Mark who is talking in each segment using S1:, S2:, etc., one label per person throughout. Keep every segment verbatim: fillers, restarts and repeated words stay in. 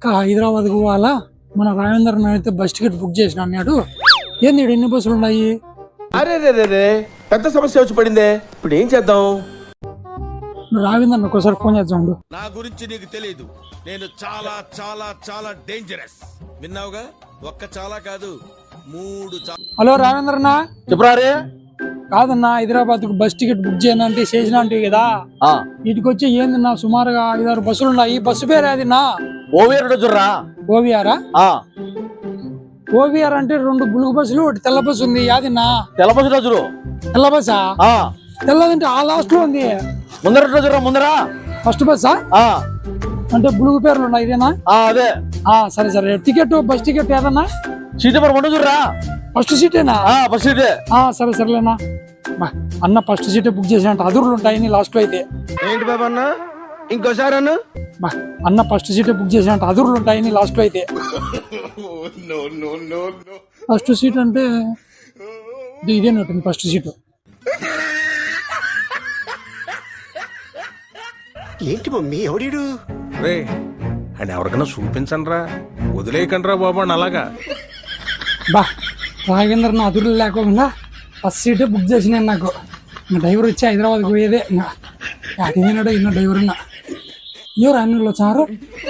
S1: హైదరాబాద్ పోవాలా మన రాజేంద్ర అయితే బస్ టికెట్ బుక్ చేసిన అన్నాడు. ఏంది ఎన్ని బస్సులు ఉన్నాయి?
S2: అరే రే రే రే పెద్ద సమస్య వచ్చి పడిందే, ఇప్పుడు ఏం చేద్దాం?
S1: రావేంద్ర ఒకసారి ఫోన్ చేద్దాం.
S3: నా గురించి నీకు తెలియదు, నేను చాలా చాలా చాలా డేంజరస్. విన్నావుగా, ఒక్క చాలా కాదు మూడు.
S1: హలో రావేంద్రనా,
S2: చెప్పరారే.
S1: కాదన్నా హైదరాబాద్ కు బస్ టికెట్ బుక్ చేయను అంటే చేసిన అంటే కదా, వీటికి వచ్చి ఏందన్నా సుమారుగా ఐదారు బస్సులు ఉన్నాయి. బస్సు పేరు అది నా
S2: ఓవిఆర్ చూడరా.
S1: ఓవిఆరా? ఓవిఆర్ అంటే రెండు బులుగు బస్సులు ఒకటి తెల్ల బస్సు ఉంది. యాదిన్నా
S2: తెల్ల బస్సు రోజు.
S1: తెల్ల బస్సా? తెల్లదంటే ఆ లాస్ట్ లో ఉంది.
S2: ముందర రోజు ముందర
S1: ఫస్ట్ బస్సా అంటే బులుగు పేర్లు ఉన్నాయి ఇదేనా?
S2: అదే.
S1: సరే సరే, టికెట్ బస్ టికెట్ ఏదన్నా
S2: సీట్ నెంబర్ రెండు చూడరా.
S1: ఫస్ట్ సీటేనా?
S2: ఫస్ట్ సీటే.
S1: సరే సరేలేనా అన్న, ఫస్ట్ సీటే బుక్ చేసినట్టు అదురులు ఉంటాయని లాస్ట్ లో అయితే.
S2: ఏంటి బాబా అన్న, ఇంకోసారి అన్న
S1: అన్న ఫస్ట్ సీటే బుక్ చేసినట్టు అదురులు ఉంటాయని లాస్ట్ లో అయితే. ఫస్ట్ సీట్ అంటే ఇదేనట్టుంది ఫస్ట్ సీటు.
S4: ఏంటి మమ్మీ ఎవడీడు?
S3: రే అని ఎవరికైనా చూపించండి రా, వదిలేయకండి రా బాబు అని. అలాగా
S1: బా రాఘవేంద్ర నా అదురులు లేకుండా ఫస్ట్ సీటే బుక్ చేసిన నాకు. ఇంకా డ్రైవర్ వచ్చి హైదరాబాద్ పోయేదే. ఇంకా అడిగినాడు ఇన్న డ్రైవర్ ఉన్నా. ఎవరు అన్నిళ్ళు వచ్చారు?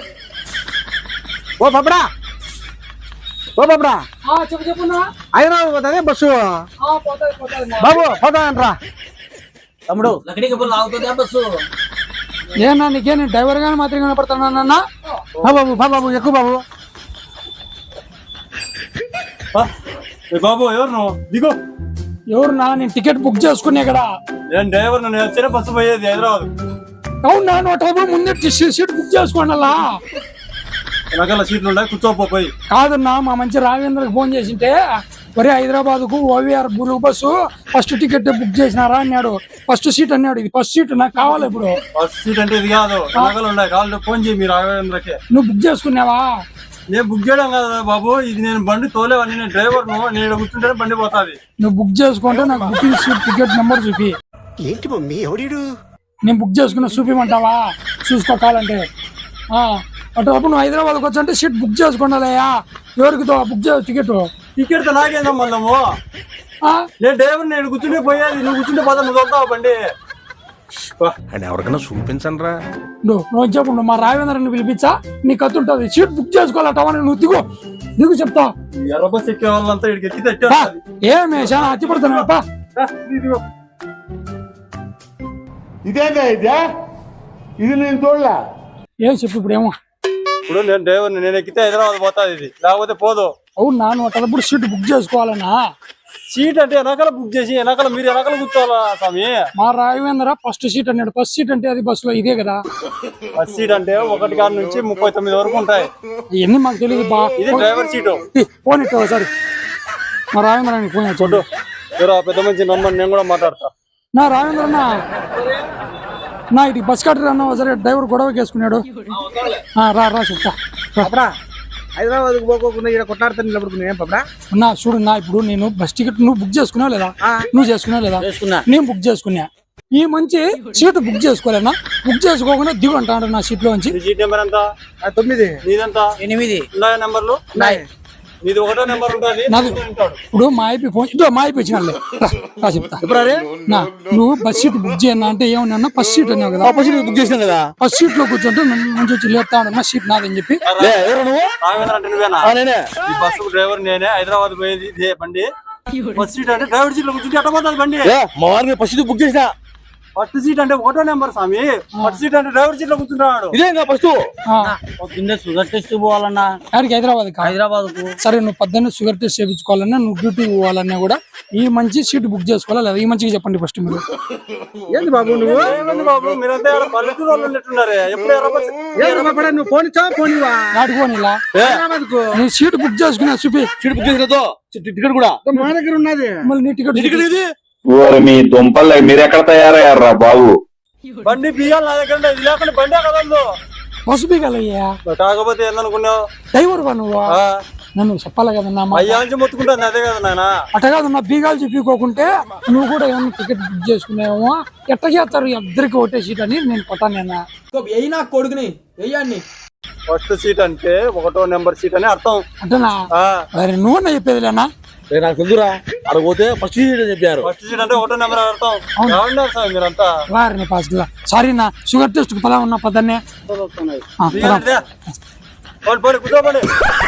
S5: ఓ బాబరా, ఓ బాబరా,
S1: చెప్పు చెప్పున్నా.
S5: హైదరాబాద్ పోతానే బస్సు. బాబు పోతానంట్రా తమ్ముడు.
S1: ఏనా నీకే నేను డ్రైవర్ గానీ మాత్రం కనపడుతున్నా.
S5: బాబు బాబు ఎక్కువ బాబు.
S6: బాబు ఎవరు నువ్వు? దిగు.
S1: ఎవరు నా? నేను టికెట్ బుక్ చేసుకునే కదా.
S6: నేను డ్రైవర్, నేను వచ్చిన బస్సు పోయేది హైదరాబాద్.
S1: అవునా? నువ్వు ముందే సీట్ బుక్ చేసుకోండి. అలా
S6: రకాల సీట్లు ఉన్నాయి, కూర్చోపోయి.
S1: కాదన్నా, మా మంచి రాజేంద్రకి ఫోన్ చేసింటే ఒరే హైదరాబాద్ కు ఓవిఆర్ బులుగు బస్సు ఫస్ట్ టికెట్ బుక్ చేసినారా అన్నాడు. ఫస్ట్ సీట్ అన్నాడు. ఇది ఫస్ట్ సీట్ నాకు కావాలి. ఇప్పుడు
S6: ఫస్ట్ సీట్ అంటే ఇది కాదు, నగలు ఉన్నాయి. కాళ్ళు ఫోన్ చేయి మీరు రాఘవేంద్రకి.
S1: నువ్వు బుక్ చేసుకున్నావా?
S6: నేను బుక్ చేయడం కదా బాబు, ఇది నేను బండి తోలేవని. నేను డ్రైవర్ ను, నేను కూర్చుంటే బండి పోతాది.
S1: నువ్వు బుక్ చేసుకుంటే నాకు బుకింగ్ సీట్ టికెట్ నెంబర్ చూపి.
S4: ఏంటి మమ్మీ ఎవడీడు?
S1: నేను బుక్ చేసుకున్న చూపిమంటావా? చూసుకోవాలంటే అటు నువ్వు హైదరాబాద్కి వచ్చి సీట్ బుక్ చేసుకోండియా. ఎవరికి బుక్ చేయ టికెట్?
S6: టికెట్ తో నాకేందా మనము? నేను డ్రైవర్, నేను కూర్చుంటే పోయేది. నువ్వు కూర్చుంటే పోతా, నువ్వు వెళ్తావు బండి
S3: అని ఎవరికైనా చూపించండి రా.
S1: నువ్వు నువ్వు చెప్పు, మా రాఘవేంద్రని పిలిపించా, నీ కత్తుంటది. Seat book చేసుకోవాలటవా? నువ్వు దిగు దిగు చెప్తా.
S6: ఎర్ర బస్ ఎక్కే వాళ్ళంతా ఇక్కడికి ఎక్కి తెచ్చా.
S1: ఏమే చాలా అతి పడుతున్నా.
S5: ఇదేందా ఇదే? ఇది నేను చూడలే.
S1: ఏం చెప్పు ఇప్పుడు? ఏమో
S6: ఇప్పుడు నేను డ్రైవర్, నేను ఎక్కితే హైదరాబాద్ పోతాది, ఇది లేకపోతే పోదు.
S1: అవునా? నువ్వు అటప్పుడు సీట్ బుక్ చేసుకోవాలన్నా?
S6: సీట్ అంటే వెనకాల బుక్ చేసి వెనకాల మీరు వెనకాల కూర్చోవాలా స్వామి?
S1: మా రాఘవేంద్ర ఫస్ట్ సీట్ అన్నాడు. ఫస్ట్ సీట్ అంటే అది బస్సులో ఇదే కదా.
S6: ఫస్ట్ సీట్ అంటే ఒకటి కాడ నుంచి ముప్పై తొమ్మిది వరకు ఉంటాయి.
S1: ఇవన్నీ మాకు తెలియదు బా.
S6: ఇది డ్రైవర్ సీటు.
S1: ఫోన్ ఇట్టు ఒకసారి మా రాఘవేంద్ర ఫోన్ చూడు.
S6: ఎవరో పెద్ద మంచి నమ్మని, నేను కూడా మాట్లాడతా.
S1: నా రాఘవేంద్ర నా ఇటు బస్ కట్టర్ అన్నా సరే, డ్రైవర్ గొడవ వేసుకున్నాడు. రా రా చెప్తా.
S5: హైదరాబాద్ పోకోకుండా ఇక్కడ కొట్లాడుతాను నిలబడుకున్నా. ఏం పాపడా
S1: నా చూడు, నా ఇప్పుడు నేను బస్ టికెట్ నువ్వు బుక్ చేసుకున్నావు లేదా? నువ్వు చేసుకున్నావు లేదా? నేను బుక్ చేసుకున్నా. ఈ మంచి సీట్ బుక్ చేసుకోలేనా? బుక్ చేసుకోకుండా దిగు అంటాడు నా సీట్ లో నుంచి.
S6: సీట్ నెంబర్ ఎంత?
S5: తొమ్మిది.
S6: నీదంతా
S5: ఎనిమిది.
S6: ఉన్నాయా నెంబర్లు? నీది ఒకటో నెంబర్ ఉంటుంది.
S1: ఇప్పుడు మా ఐపీ ఫోన్ ఇదో మా ఐపీ ఇచ్చిన చెప్తా. నా నువ్వు బస్ సీట్ బుక్ చేయన్నా అంటే ఏమన్నా ఫస్ట్ సీట్ అన్నావు కదా.
S2: ఫస్ట్ సీట్ బుక్ చేసినా కదా.
S1: ఫస్ట్ సీట్ లో కూర్చుంటే మంచి వచ్చి లేపుతాడు. నా సీట్ నాదని చెప్పి.
S6: నేనే ఈ బస్సు డ్రైవర్, నేనే హైదరాబాద్ పోయేది ఇదే బండి. ఫస్ట్ సీట్ అంటే డ్రైవర్ సీట్ లో కూర్చుంటే ఎట్ట పోతుంది బండి?
S2: మా వారిని ఫస్ట్ సీట్ బుక్ చేసినా.
S6: ఫస్ట్ సీట్ అంటే ఒకటో నెంబర్ స్వామి. ఫస్ట్ సీట్ అంటే డ్రైవర్ సీట్ లో కూర్చుంటాడు.
S2: ఇదే ఫస్ట్
S5: షుగర్ టెస్ట్ పోవాలన్నా
S1: ఆడికి హైదరాబాద్
S5: హైదరాబాద్ కు.
S1: సరే, నువ్వు పొద్దున్న షుగర్ టెస్ట్ చేయించుకోవాలన్నా, నువ్వు డ్యూటీ పోవాలన్నా కూడా ఈ మంచి సీట్ బుక్ చేసుకోవాలా లేదా? ఈ మంచిగా చెప్పండి ఫస్ట్ మీరు.
S5: ఏంది బాబు నువ్వు?
S6: ఏమండి బాబు మీరంతా పల్లెటూరు వాళ్ళు ఉన్నట్టున్నారే. ఎప్పుడు
S5: నువ్వు ఫోన్ ఇచ్చా? ఫోన్ ఇవ్వా?
S1: ఆడుకోని ఇలా నీ సీట్ బుక్ చేసుకున్నా చూపి.
S2: సీట్ బుక్ చేసినతో టికెట్ కూడా
S5: మా దగ్గర ఉన్నది.
S1: మళ్ళీ నీ టికెట్
S2: టికెట్ ఇది.
S7: మీ దుంపలు మీరు ఎక్కడ తయారయ్యారా బాబు?
S6: బండి బియ్యాలు నా దగ్గర ఇది లేకుండా బండి కదలదు.
S1: బస్సు బీగాలయ్యా.
S6: కాకపోతే ఏందనుకున్నావు?
S1: డ్రైవర్ వా నువ్వు? నన్ను చెప్పాలి కదన్నా.
S6: అయ్యా నుంచి మొత్తుకుంటాను అదే కదా నాయన.
S1: అట్ట కాదన్నా, బీగాలు చెప్పికోకుంటే నువ్వు కూడా ఏమన్నా టికెట్ బుక్ చేసుకున్నావేమో. ఎట్ట చేస్తారు ఇద్దరికి ఒకటే సీట్ అని నేను కొట్టాను.
S8: అయినా కొడుకుని వెయ్యాన్ని
S6: ఫస్ట్ సీట్ అంటే ఒకటో నెంబర్ సీట్ అని అర్థం.
S1: అంటేనా
S6: ఆ
S1: మరి నువ్వు చెప్పేదిలేనా
S2: నాకు తెలుదురా అడగపోతే ఫస్ట్ చెప్పారు.
S6: ఫస్ట్ సీట్ అంటే ఒకటో నెంబర్ అని అర్థం. ఏమన్నారు సార్ మీరంతా?
S1: వారిని పాస్ సారీ నా షుగర్ టెస్ట్ పదా ఉన్నా పదన్నే
S6: కూర్చోపండి.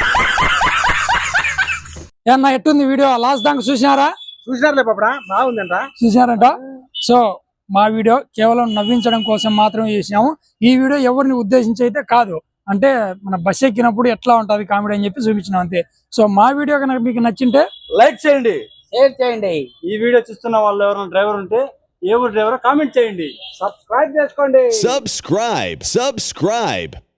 S1: ఏమన్నా ఎట్టుంది వీడియో లాస్ట్ దాకా చూసినారా?
S5: చూసినారులే పాపడా, బాగుందంట.
S1: చూసినారంట. సో మా వీడియో కేవలం నవ్వించడం కోసం మాత్రమే చేసినాము. ఈ వీడియో ఎవరిని ఉద్దేశించి అయితే కాదు, అంటే మన బస్ ఎక్కినప్పుడు ఎట్లా ఉంటది కామెడీ అని చెప్పి చూపించినాం అంతే. సో మా వీడియో కనుక మీకు నచ్చింటే
S6: లైక్ చేయండి,
S5: షేర్ చేయండి.
S6: ఈ వీడియో చూస్తున్న వాళ్ళు ఎవరైనా డ్రైవర్ ఉంటే ఏ ఊరు డ్రైవర్ కామెంట్ చేయండి,
S5: సబ్స్క్రైబ్ చేసుకోండి.
S8: Subscribe, subscribe.